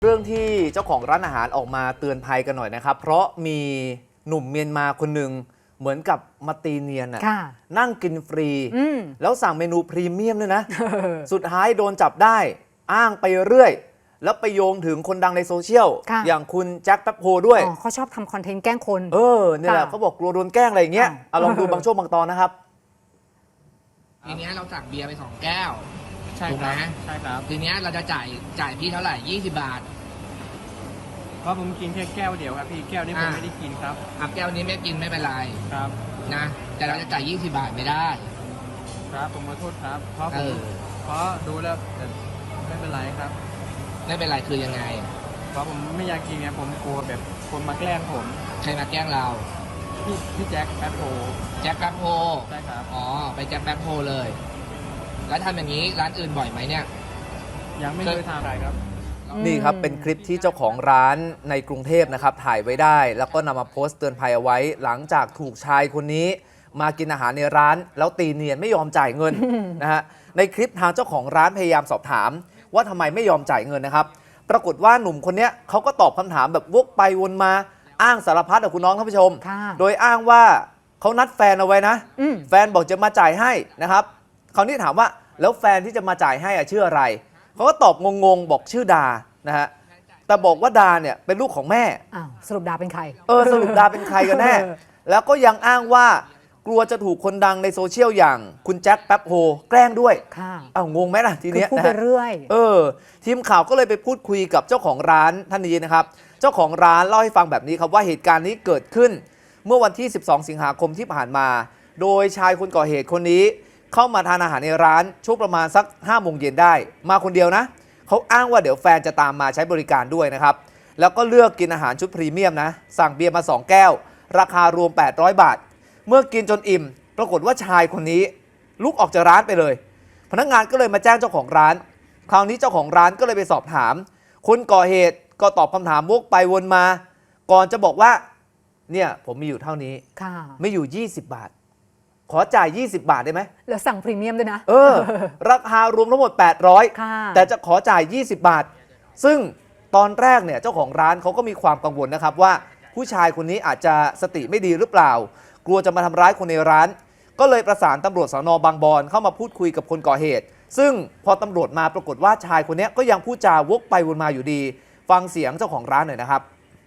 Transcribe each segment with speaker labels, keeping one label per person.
Speaker 1: เรื่องที่เจ้าของร้านอาหารออกมาเตือนภัยกันหน่อยนะครับเพราะมีหนุ่มเมียนมาคนหนึ่งเหมือนกับมาตีเนียนนั่งกินฟรีแล้วสั่งเมนูพรีเมียมด้วยนะ สุดท้ายโดนจับได้อ้างไปเรื่อยแล้วไปโยงถึงคนดังในโซเชียลอย่างคุณแจ็คแป๊บโฮด้วย
Speaker 2: เขาชอบทำคอนเทนต์แกล้งคน
Speaker 1: นี่แหละเขาบอกกลัวโดนแกล้งอะไรอย่างเงี้ยลองดูบางช่วงบางตอนนะครับ
Speaker 3: ทีนี้เราสั่งเบียร์ไป2 แก้ว
Speaker 4: ถูกไหม
Speaker 3: ใช่ครับทีนี้เราจะจ่ายพี่เท่าไหร่20 บาท
Speaker 4: เพราะผมกินแค่แก้วเดียวครับพี่แก้วนี้ผมไม่ได้กินครับ
Speaker 3: แก้วนี้ไม่กินไม่เป็นไร
Speaker 4: ครับ
Speaker 3: นะแต่เราจะจ่าย20 บาทไม่ได้
Speaker 4: ครับผมขอโทษครับเพราะดูแล้วไม่เป็นไรครับ
Speaker 3: ไม่เป็นไรคือยังไง
Speaker 4: เพราะผมไม่อยากกินไงผมกลัวแบบคนมาแกล้งผม
Speaker 3: ใครมาแกล้งเรา
Speaker 4: พี่แจ็คแป๊บโฮ
Speaker 3: ใช่
Speaker 4: ครับ
Speaker 3: อ๋อไปแจ็คแป๊บโฮเลยแล้วทำอย่างนี้ร้านอื่นบ่อยไหมเนี่ย
Speaker 4: ยังไม่เคยทำอะไรครับ
Speaker 1: นี่ครับเป็นคลิปที่เจ้าของร้านในกรุงเทพนะครับถ่ายไว้ได้แล้วก็นำมาโพสต์เตือนภัยเอาไว้หลังจากถูกชายคนนี้มากินอาหารในร้านแล้วตีเนียนไม่ยอมจ่ายเงินนะฮะในคลิปทางเจ้าของร้านพยายามสอบถามว่าทำไมไม่ยอมจ่ายเงินนะครับปรากฏว่าหนุ่มคนนี้เขาก็ตอบคำถามแบบวกไปวนมาอ้างสารพัดกับคุณน้องท่านผู้ชมโดยอ้างว่าเขานัดแฟนเอาไว้นะแฟนบอกจะมาจ่ายให้นะครับคราวนี้ถามว่าแล้วแฟนที่จะมาจ่ายให้ชื่ออะไรเขาก็ตอบงงๆบอกชื่อดานะฮะแต่บอกว่าดาเนี่ยเป็นลูกของแม่
Speaker 2: สรุปดาเป็นใคร
Speaker 1: สรุปดาเป็นใครกันแน่ แล้วก็ยังอ้างว่ากลัวจะถูกคนดังในโซเชียลอย่างคุณแจ็คแป๊บโฮแกล้งด้วยงงไหมล่ะทีนี้
Speaker 2: พูดไปเรื่อย
Speaker 1: ทีมข่าวก็เลยไปพูดคุยกับเจ้าของร้านท่านนี้นะครับเจ้าของร้านเล่าให้ฟังแบบนี้ครับว่าเหตุการณ์นี้เกิดขึ้นเมื่อวันที่12 สิงหาคมที่ผ่านมาโดยชายคนก่อเหตุคนนี้เข้ามาทานอาหารในร้านช่วงประมาณสัก5 โมงเย็นได้มาคนเดียวนะเขาอ้างว่าเดี๋ยวแฟนจะตามมาใช้บริการด้วยนะครับแล้วก็เลือกกินอาหารชุดพรีเมียมนะสั่งเบียร์มา2 แก้วราคารวม800 บาทเมื่อกินจนอิ่มปรากฏว่าชายคนนี้ลุกออกจากร้านไปเลยพนักงานก็เลยมาแจ้งเจ้าของร้านคราวนี้เจ้าของร้านก็เลยไปสอบถามคนก่อเหตุก็ตอบคำถามวกไปวนมาก่อนจะบอกว่าเนี่ยผมมีอยู่เท่านี้ไม่อยู่20 บาทขอจ่าย20 บาทได้ไหม
Speaker 2: แล้วสั่งพรีเมียมด้วยนะ
Speaker 1: ราคารวมทั้งหมด800แต่จะขอจ่าย20 บาทซึ่งตอนแรกเนี่ยเจ้าของร้านเขาก็มีความกังวลนะครับว่าผู้ชายคนนี้อาจจะสติไม่ดีหรือเปล่ากลัวจะมาทำร้ายคนในร้านก็เลยประสานตำรวจสน.บางบอนเข้ามาพูดคุยกับคนก่อเหตุซึ่งพอตำรวจมาปรากฏว่าชายคนนี้ก็ยังพูดจาวกไปวนมาอยู่ดีฟังเสียงเจ้าของร้านหน่อยนะครับ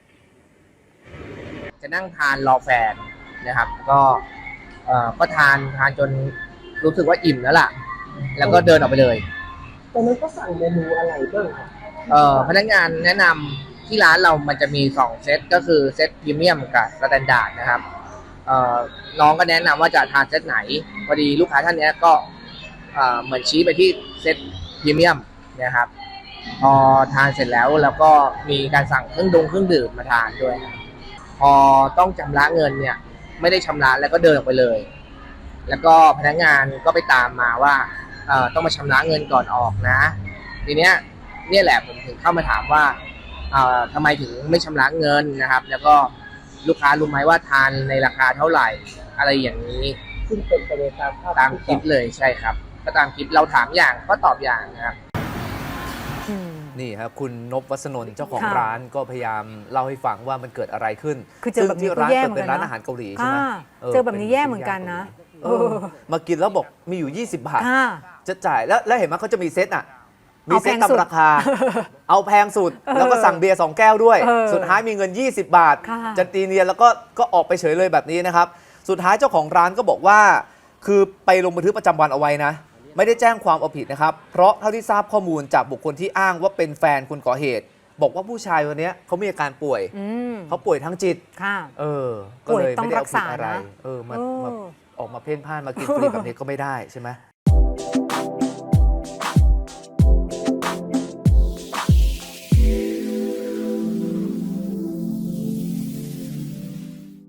Speaker 3: จะนั่งทานรอแฟนนะครับก็ทานจนรู้สึกว่าอิ่มแล้วล่ะแล้วก็เดินออกไปเลย
Speaker 5: ตอนนั้นก็สั่งเมนูอะไรบ้างครับ
Speaker 3: พนักงานแนะนำที่ร้านเรามันจะมี2 เซตก็คือเซตพรีเมียมกับสแตนดาร์ดนะครับน้องก็แนะนำว่าจะทานเซตไหนพอดีลูกค้าท่านนี้ก็เหมือนชี้ไปที่เซตพรีเมียมนะครับพอทานเสร็จแล้วก็มีการสั่งเครื่องดื่มมาทานด้วยพอต้องชำระเงินเนี่ยไม่ได้ชำระแล้วก็เดินออกไปเลยแล้วก็พนักงานก็ไปตามมาว่าต้องมาชำระเงินก่อนออกนะทีเนี้ยเนี่ยแหละผมถึงเข้ามาถามว่าทำไมถึงไม่ชำระเงินนะครับแล้วก็ลูกค้ารู้ไหมว่าทานในราคาเท่าไหร่อะไรอย่างนี้
Speaker 5: ซึ่งเป็นไปตาม
Speaker 3: คลิปเลยใช่ครับก็ตามคลิปเราถามอย่างก็ตอบอย่างนะครับ
Speaker 1: นี่ครับคุณนพวัฒนนท์เจ้าของร้านก็พยายามเล่าให้ฟังว่ามันเกิดอะไรขึ้น
Speaker 2: คือเจอแบบนี้ก็แย่เหมือนกันนะ
Speaker 1: เป็นร้านอาหารเกาหลีใช่ไหม
Speaker 2: เจอแบบนี้แย่เหมือนกันนะ
Speaker 1: มากินแล้วบอกมีอยู่20 บาทจะจ่ายแล้วเห็นไหมเขาจะมีเซตมีเซตตามราคาเอาแพงสุดแล้วก็สั่งเบียร์2 แก้วด้วยสุดท้ายมีเงิน20 บาทจะตีเนียนแล้วก็ออกไปเฉยเลยแบบนี้นะครับสุดท้ายเจ้าของร้านก็บอกว่าคือไปลงบันทึกประจำวันเอาไว้นะไม่ได้แจ้งความเอาผิดนะครับเพราะเท่าที่ทราบข้อมูลจากบุคคลที่อ้างว่าเป็นแฟนคนก่อเหตุบอกว่าผู้ชายคนนี้เขามีอาการป่วยเขาป่วยทางจิตก็เลยไม่ได้เอาผิดอะไรมาออกมาเพ่นพ่านมากินฟรีแบบนี้ก็ไม่ได้ใช่ไหม